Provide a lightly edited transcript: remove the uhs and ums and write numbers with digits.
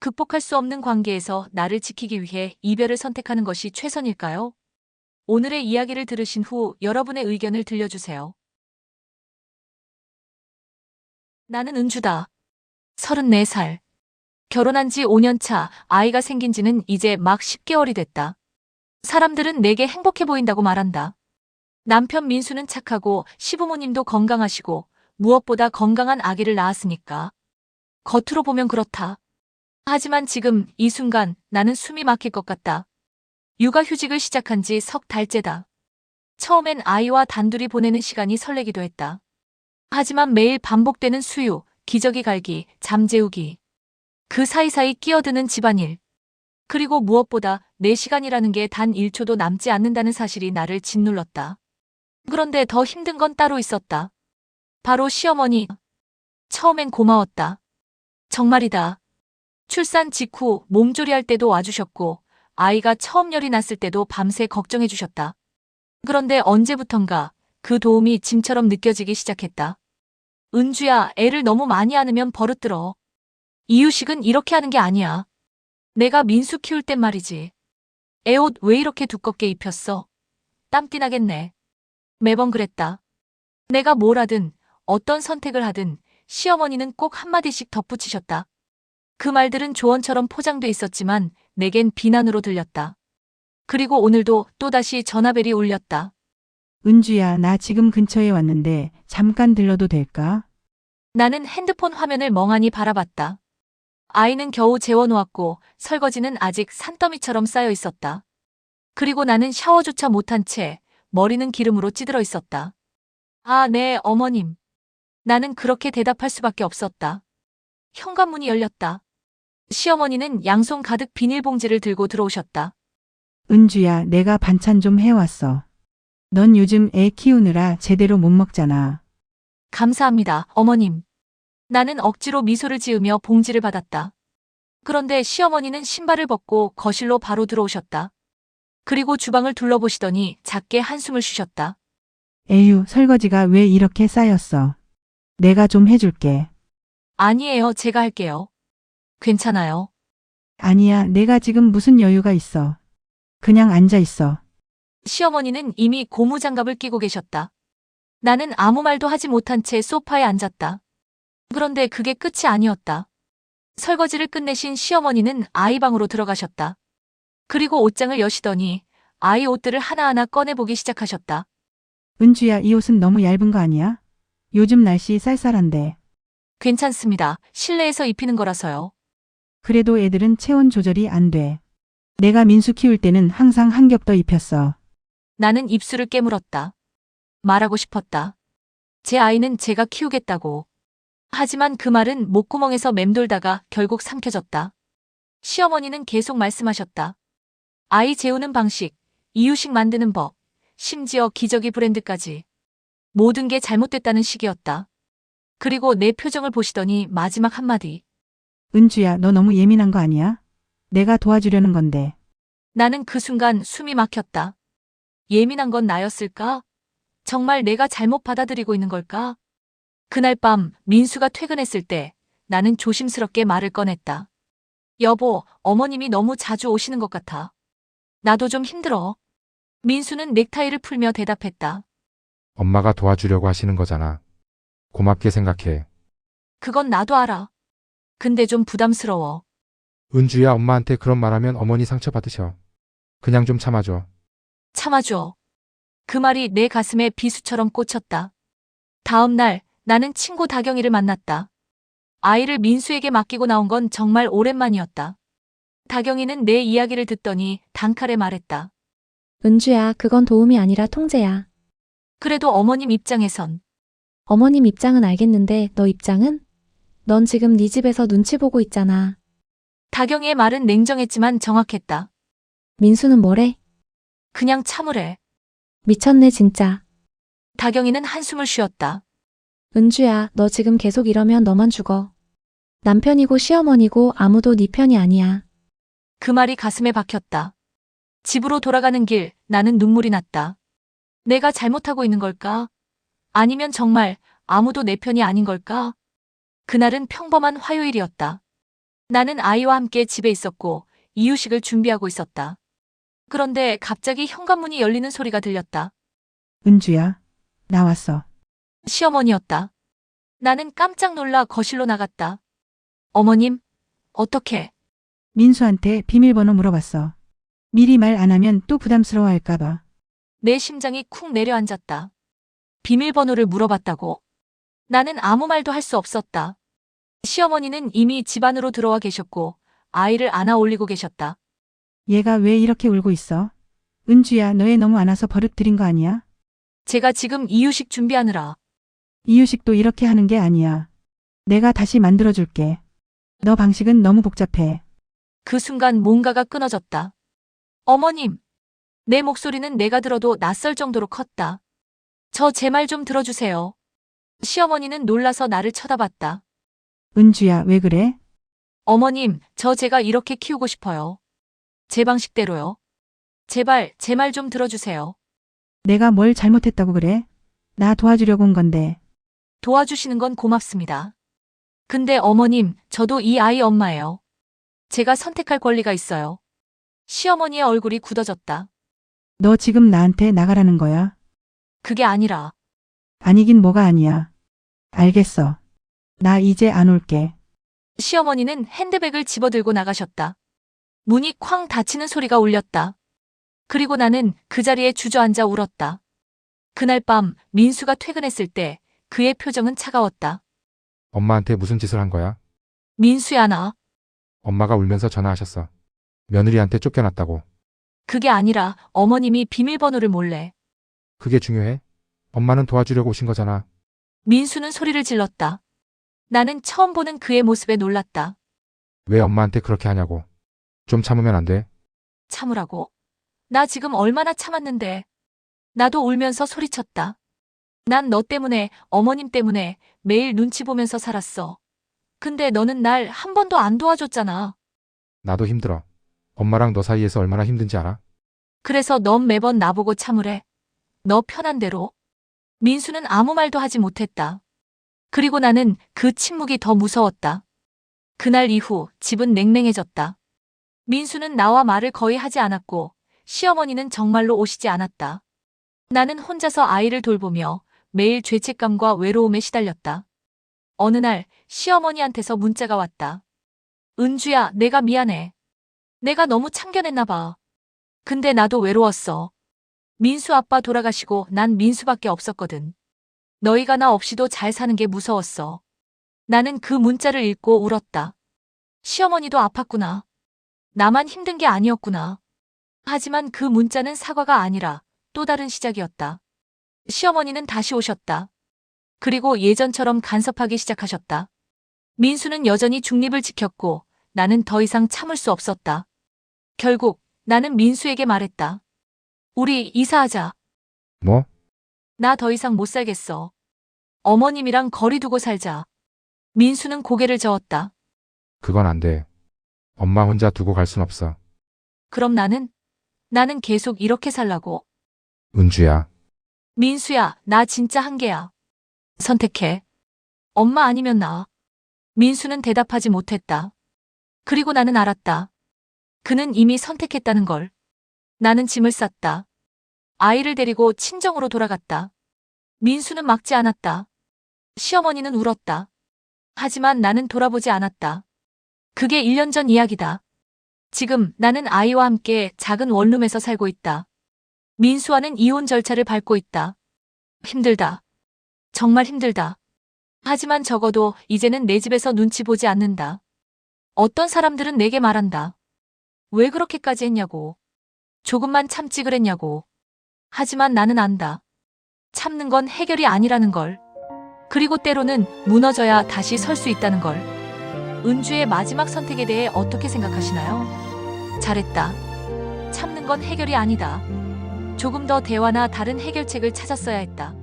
극복할 수 없는 관계에서 나를 지키기 위해 이별을 선택하는 것이 최선일까요? 오늘의 이야기를 들으신 후 여러분의 의견을 들려주세요. 나는 은주다. 34살. 결혼한 지 5년 차, 아이가 생긴 지는 이제 막 10개월이 됐다. 사람들은 내게 행복해 보인다고 말한다. 남편 민수는 착하고 시부모님도 건강하시고 무엇보다 건강한 아기를 낳았으니까. 겉으로 보면 그렇다. 하지만 지금 이 순간 나는 숨이 막힐 것 같다. 육아휴직을 시작한 지 석 달째다. 처음엔 아이와 단둘이 보내는 시간이 설레기도 했다. 하지만 매일 반복되는 수유, 기저귀 갈기, 잠 재우기. 그 사이사이 끼어드는 집안일. 그리고 무엇보다 내 시간이라는 게 단 1초도 남지 않는다는 사실이 나를 짓눌렀다. 그런데 더 힘든 건 따로 있었다. 바로 시어머니. 처음엔 고마웠다. 정말이다. 출산 직후 몸조리할 때도 와주셨고 아이가 처음 열이 났을 때도 밤새 걱정해 주셨다. 그런데 언제부턴가 그 도움이 짐처럼 느껴지기 시작했다. 은주야, 애를 너무 많이 안으면 버릇들어. 이유식은 이렇게 하는 게 아니야. 내가 민수 키울 땐 말이지. 애 옷 왜 이렇게 두껍게 입혔어? 땀띠 나겠네. 매번 그랬다. 내가 뭘 하든 어떤 선택을 하든 시어머니는 꼭 한마디씩 덧붙이셨다. 그 말들은 조언처럼 포장돼 있었지만 내겐 비난으로 들렸다. 그리고 오늘도 또다시 전화벨이 울렸다. 은주야, 나 지금 근처에 왔는데 잠깐 들러도 될까? 나는 핸드폰 화면을 멍하니 바라봤다. 아이는 겨우 재워놓았고 설거지는 아직 산더미처럼 쌓여 있었다. 그리고 나는 샤워조차 못한 채 머리는 기름으로 찌들어 있었다. 아, 네, 어머님. 나는 그렇게 대답할 수밖에 없었다. 현관문이 열렸다. 시어머니는 양손 가득 비닐봉지를 들고 들어오셨다. 은주야, 내가 반찬 좀 해왔어. 넌 요즘 애 키우느라 제대로 못 먹잖아. 감사합니다, 어머님. 나는 억지로 미소를 지으며 봉지를 받았다. 그런데 시어머니는 신발을 벗고 거실로 바로 들어오셨다. 그리고 주방을 둘러보시더니 작게 한숨을 쉬셨다. 에휴, 설거지가 왜 이렇게 쌓였어? 내가 좀 해줄게. 아니에요, 제가 할게요. 괜찮아요. 아니야, 내가 지금 무슨 여유가 있어. 그냥 앉아 있어. 시어머니는 이미 고무장갑을 끼고 계셨다. 나는 아무 말도 하지 못한 채 소파에 앉았다. 그런데 그게 끝이 아니었다. 설거지를 끝내신 시어머니는 아이 방으로 들어가셨다. 그리고 옷장을 여시더니 아이 옷들을 하나하나 꺼내보기 시작하셨다. 은주야, 이 옷은 너무 얇은 거 아니야? 요즘 날씨 쌀쌀한데. 괜찮습니다. 실내에서 입히는 거라서요. 그래도 애들은 체온 조절이 안 돼. 내가 민수 키울 때는 항상 한 겹 더 입혔어. 나는 입술을 깨물었다. 말하고 싶었다. 제 아이는 제가 키우겠다고. 하지만 그 말은 목구멍에서 맴돌다가 결국 삼켜졌다. 시어머니는 계속 말씀하셨다. 아이 재우는 방식, 이유식 만드는 법, 심지어 기저귀 브랜드까지. 모든 게 잘못됐다는 식이었다. 그리고 내 표정을 보시더니 마지막 한마디. 은주야, 너 너무 예민한 거 아니야? 내가 도와주려는 건데. 나는 그 순간 숨이 막혔다. 예민한 건 나였을까? 정말 내가 잘못 받아들이고 있는 걸까? 그날 밤 민수가 퇴근했을 때 나는 조심스럽게 말을 꺼냈다. 여보, 어머님이 너무 자주 오시는 것 같아. 나도 좀 힘들어. 민수는 넥타이를 풀며 대답했다. 엄마가 도와주려고 하시는 거잖아. 고맙게 생각해. 그건 나도 알아. 근데 좀 부담스러워. 은주야, 엄마한테 그런 말하면 어머니 상처받으셔. 그냥 좀 참아줘. 참아줘. 그 말이 내 가슴에 비수처럼 꽂혔다. 다음 날 나는 친구 다경이를 만났다. 아이를 민수에게 맡기고 나온 건 정말 오랜만이었다. 다경이는 내 이야기를 듣더니 단칼에 말했다. 은주야, 그건 도움이 아니라 통제야. 그래도 어머님 입장에선. 어머님 입장은 알겠는데 너 입장은? 넌 지금 네 집에서 눈치 보고 있잖아. 다경이의 말은 냉정했지만 정확했다. 민수는 뭐래? 그냥 참으래. 미쳤네 진짜. 다경이는 한숨을 쉬었다. 은주야, 너 지금 계속 이러면 너만 죽어. 남편이고 시어머니고 아무도 네 편이 아니야. 그 말이 가슴에 박혔다. 집으로 돌아가는 길 나는 눈물이 났다. 내가 잘못하고 있는 걸까? 아니면 정말 아무도 내 편이 아닌 걸까? 그날은 평범한 화요일이었다. 나는 아이와 함께 집에 있었고 이유식을 준비하고 있었다. 그런데 갑자기 현관문이 열리는 소리가 들렸다. 은주야, 나왔어. 시어머니였다. 나는 깜짝 놀라 거실로 나갔다. 어머님, 어떻게? 민수한테 비밀번호 물어봤어. 미리 말 안 하면 또 부담스러워할까봐. 내 심장이 쿵 내려앉았다. 비밀번호를 물어봤다고. 나는 아무 말도 할 수 없었다. 시어머니는 이미 집 안으로 들어와 계셨고 아이를 안아 올리고 계셨다. 얘가 왜 이렇게 울고 있어? 은주야, 너애 너무 안아서 버릇 들인 거 아니야? 제가 지금 이유식 준비하느라. 이유식도 이렇게 하는 게 아니야. 내가 다시 만들어줄게. 너 방식은 너무 복잡해. 그 순간 뭔가가 끊어졌다. 어머님, 내 목소리는 내가 들어도 낯설 정도로 컸다. 저 제 말 좀 들어주세요. 시어머니는 놀라서 나를 쳐다봤다. 은주야, 왜 그래? 어머님, 저 제가 이렇게 키우고 싶어요. 제 방식대로요. 제발 제 말 좀 들어주세요. 내가 뭘 잘못했다고 그래? 나 도와주려고 온 건데. 도와주시는 건 고맙습니다. 근데 어머님, 저도 이 아이 엄마예요. 제가 선택할 권리가 있어요. 시어머니의 얼굴이 굳어졌다. 너 지금 나한테 나가라는 거야? 그게 아니라 아니긴 뭐가 아니야. 알겠어. 나 이제 안 올게. 시어머니는 핸드백을 집어들고 나가셨다. 문이 쾅 닫히는 소리가 울렸다. 그리고 나는 그 자리에 주저앉아 울었다. 그날 밤 민수가 퇴근했을 때 그의 표정은 차가웠다. 엄마한테 무슨 짓을 한 거야? 민수야 나. 엄마가 울면서 전화하셨어. 며느리한테 쫓겨났다고. 그게 아니라 어머님이 비밀번호를 몰래. 그게 중요해? 엄마는 도와주려고 오신 거잖아. 민수는 소리를 질렀다. 나는 처음 보는 그의 모습에 놀랐다. 왜 엄마한테 그렇게 하냐고. 좀 참으면 안 돼? 참으라고. 나 지금 얼마나 참았는데. 나도 울면서 소리쳤다. 난 너 때문에, 어머님 때문에 매일 눈치 보면서 살았어. 근데 너는 날 한 번도 안 도와줬잖아. 나도 힘들어. 엄마랑 너 사이에서 얼마나 힘든지 알아? 그래서 넌 매번 나보고 참으래. 너 편한 대로. 민수는 아무 말도 하지 못했다. 그리고 나는 그 침묵이 더 무서웠다. 그날 이후 집은 냉랭해졌다. 민수는 나와 말을 거의 하지 않았고 시어머니는 정말로 오시지 않았다. 나는 혼자서 아이를 돌보며 매일 죄책감과 외로움에 시달렸다. 어느 날 시어머니한테서 문자가 왔다. 은주야, 내가 미안해. 내가 너무 참견했나 봐. 근데 나도 외로웠어. 민수 아빠 돌아가시고 난 민수밖에 없었거든. 너희가 나 없이도 잘 사는 게 무서웠어. 나는 그 문자를 읽고 울었다. 시어머니도 아팠구나. 나만 힘든 게 아니었구나. 하지만 그 문자는 사과가 아니라 또 다른 시작이었다. 시어머니는 다시 오셨다. 그리고 예전처럼 간섭하기 시작하셨다. 민수는 여전히 중립을 지켰고 나는 더 이상 참을 수 없었다. 결국 나는 민수에게 말했다. 우리 이사하자. 뭐? 나 더 이상 못 살겠어. 어머님이랑 거리 두고 살자. 민수는 고개를 저었다. 그건 안 돼. 엄마 혼자 두고 갈 순 없어. 그럼 나는 계속 이렇게 살라고. 은주야. 민수야, 나 진짜 한계야. 선택해. 엄마 아니면 나. 민수는 대답하지 못했다. 그리고 나는 알았다. 그는 이미 선택했다는 걸. 나는 짐을 쌌다. 아이를 데리고 친정으로 돌아갔다. 민수는 막지 않았다. 시어머니는 울었다. 하지만 나는 돌아보지 않았다. 그게 1년 전 이야기다. 지금 나는 아이와 함께 작은 원룸에서 살고 있다. 민수와는 이혼 절차를 밟고 있다. 힘들다. 정말 힘들다. 하지만 적어도 이제는 내 집에서 눈치 보지 않는다. 어떤 사람들은 내게 말한다. 왜 그렇게까지 했냐고. 조금만 참지 그랬냐고. 하지만 나는 안다. 참는 건 해결이 아니라는 걸. 그리고 때로는 무너져야 다시 설 수 있다는 걸. 은주의 마지막 선택에 대해 어떻게 생각하시나요? 잘했다. 참는 건 해결이 아니다. 조금 더 대화나 다른 해결책을 찾았어야 했다.